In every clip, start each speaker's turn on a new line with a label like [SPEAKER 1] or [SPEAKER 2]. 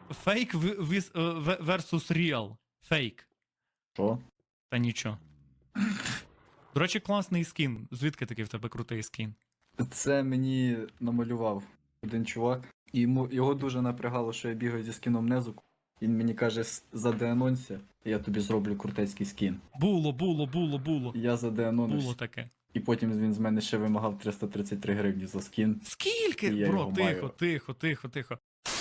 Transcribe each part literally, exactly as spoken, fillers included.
[SPEAKER 1] Фейк versus real. Фейк.
[SPEAKER 2] Що?
[SPEAKER 1] Та нічого. До речі, класний скін. Звідки такий в тебе крутий скін?
[SPEAKER 2] Це мені намалював один чувак. І йому, його дуже напрягало, що я бігаю зі скіном Незуку. Він мені каже, «С- задеанонься, я тобі зроблю крутецький скін.
[SPEAKER 1] Було, було, було, було.
[SPEAKER 2] Я
[SPEAKER 1] Було
[SPEAKER 2] задеанонився.
[SPEAKER 1] таке.
[SPEAKER 2] І потім він з мене ще вимагав триста тридцять три гривні за скін.
[SPEAKER 1] Скільки?
[SPEAKER 2] І я
[SPEAKER 1] Бро,
[SPEAKER 2] його
[SPEAKER 1] тихо,
[SPEAKER 2] маю.
[SPEAKER 1] тихо, тихо, тихо.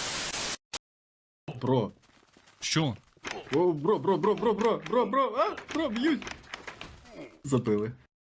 [SPEAKER 2] Бро.
[SPEAKER 1] Що?
[SPEAKER 2] О, бро, бро, бро, бро, бро, бро, бро, а, бро, б'ють. Забили.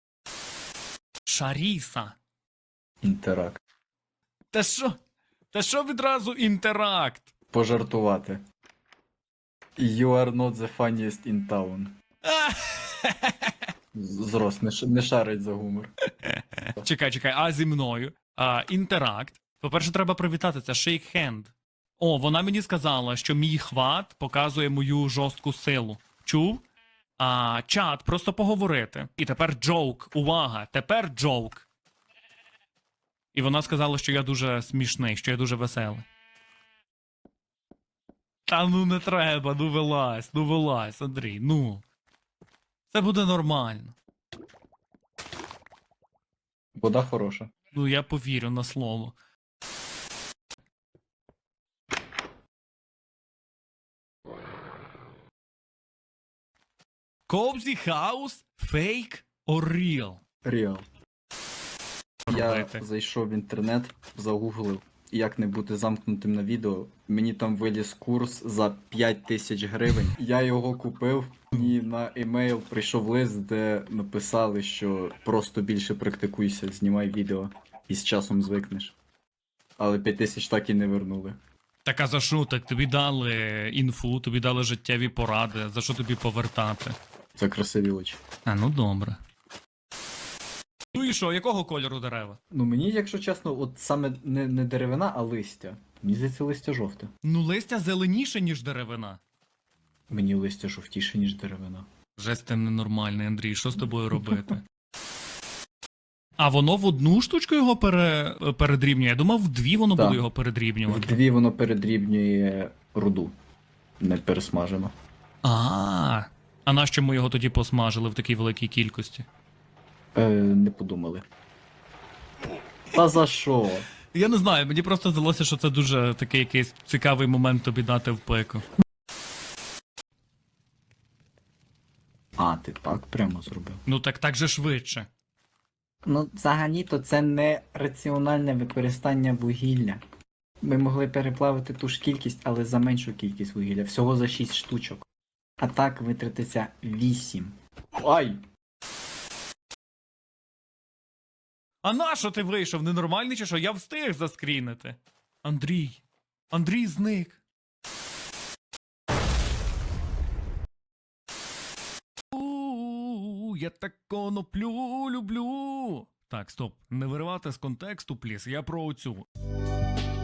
[SPEAKER 1] Шаріса.
[SPEAKER 2] Інтеракт.
[SPEAKER 1] Та що? Та що відразу інтеракт?
[SPEAKER 2] Пожартувати. You are not the funniest in town.
[SPEAKER 1] А!
[SPEAKER 2] Зрос, не, ш- не шарить за гумор.
[SPEAKER 1] Чекай, чекай, а зі мною? А, інтеракт. По-перше, треба привітати, це shake hand. О, вона мені сказала, що мій хват показує мою жорстку силу. Чув? А, чат, просто поговорити. І тепер джоук. Увага, тепер джоук. І вона сказала, що я дуже смішний, що я дуже веселий. Та ну не треба, ну вилазь, ну вилазь, Андрій, ну. Це буде нормально.
[SPEAKER 2] Вода хороша.
[SPEAKER 1] Ну я повірю на слово. Cozy House? Fake or real?
[SPEAKER 2] Реал. Я
[SPEAKER 1] Робити.
[SPEAKER 2] зайшов в інтернет, загуглив, як не бути замкнутим на відео. Мені там виліз курс за п'ять тисяч гривень. Я його купив, і на емейл прийшов лист, де написали, що просто більше практикуйся, знімай відео і з часом звикнеш. Але п'ять тисяч так і не вернули.
[SPEAKER 1] Так а за що? Так тобі дали інфу, тобі дали життєві поради, за що тобі повертати?
[SPEAKER 2] За красиві очі.
[SPEAKER 1] А, ну добре. Ну і що, якого кольору дерева?
[SPEAKER 2] Ну мені, якщо чесно, от саме не, не деревина, а листя. Мені здається, листя жовте.
[SPEAKER 1] Ну листя зеленіше, ніж деревина.
[SPEAKER 2] Мені листя жовтіше, ніж деревина.
[SPEAKER 1] Жесть ти ненормальний, Андрій, що з тобою робити? А воно в одну штучку його пере... передрібнює? Я думав, в дві воно
[SPEAKER 2] Так.
[SPEAKER 1] буде його передрібнювати.
[SPEAKER 2] Вдві воно передрібнює руду. Не пересмажено.
[SPEAKER 1] А, а нащо ми його тоді посмажили в такій великій кількості?
[SPEAKER 2] Е, не подумали. Та за що?
[SPEAKER 1] Я не знаю, мені просто здалося, що це дуже такий якийсь цікавий момент тобі дати в пику.
[SPEAKER 2] А, ти так прямо зробив.
[SPEAKER 1] Ну так так же швидше.
[SPEAKER 2] Ну, взагалі-то це не раціональне використання вугілля. Ми могли переплавити ту ж кількість, але за меншу кількість вугілля. Всього за шість штучок. А так витратиться вісім. Ай!
[SPEAKER 1] А нащо ти вийшов? Ненормальний чи що? Я встиг заскрінити. Андрій. Андрій зник. У, я так коноплю люблю. Так, стоп. Не виривати з контексту, пліс. Я про оцю.